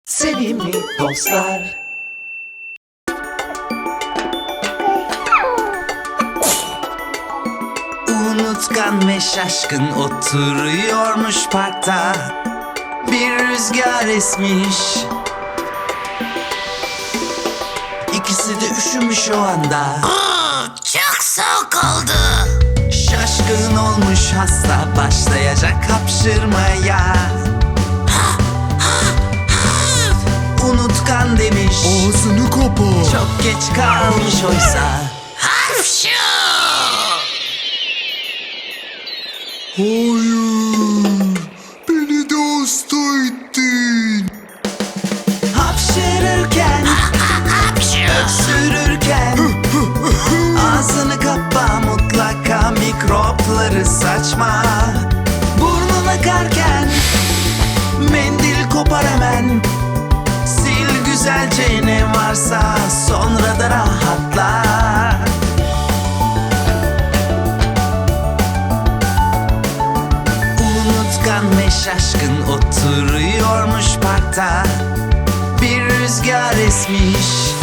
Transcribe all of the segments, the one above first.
Sevimli dostlar. Unutkan ve şaşkın oturuyormuş parkta. Bir rüzgar esmiş. İkisi de üşümüş o anda. Çok soğuk oldu. Şaşkın olmuş hasta, başlayacak hapşırmaya. Unutkan demiş, Ağzını kapa. çok geç kalmış oysa. Hapşu! Hayır. Beni de hasta ettin. Hapşırırken, Hapşu! sürürken ağzını kapa, mutlaka mikropları saçma. Burnun akarken mendil kopar hemen. Sil güzelce ne varsa, sonra da rahatla. Unutkan ve şaşkın oturuyormuş parkta. Bir rüzgar esmiş.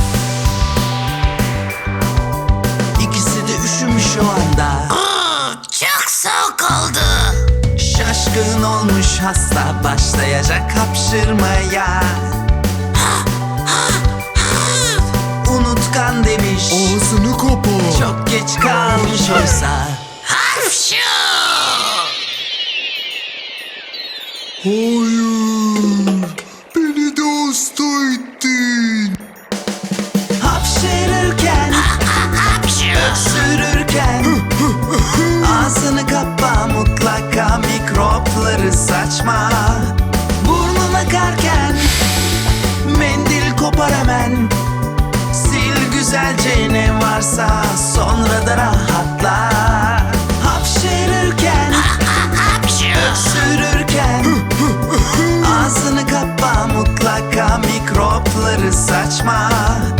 İkisi de üşümüş o anda. Çok soğuk oldu. Şaşkın olmuş hasta, başlayacak hapşırmaya. Unutkan demiş, Ağzını kapa. çok geç kalmış oysa. Hapşu! Hayır. Beni de hasta ettin. Hapşırırken, Hapşu! sürürken ağzını kapa, mutlaka mikropları saçma. Burnun akarken mendil kopar hemen. Sil güzelce ne varsa, sonra da rahatla. Hapşırırken, Hapşu! sürürken ağzını kapa, mutlaka mikropları saçma.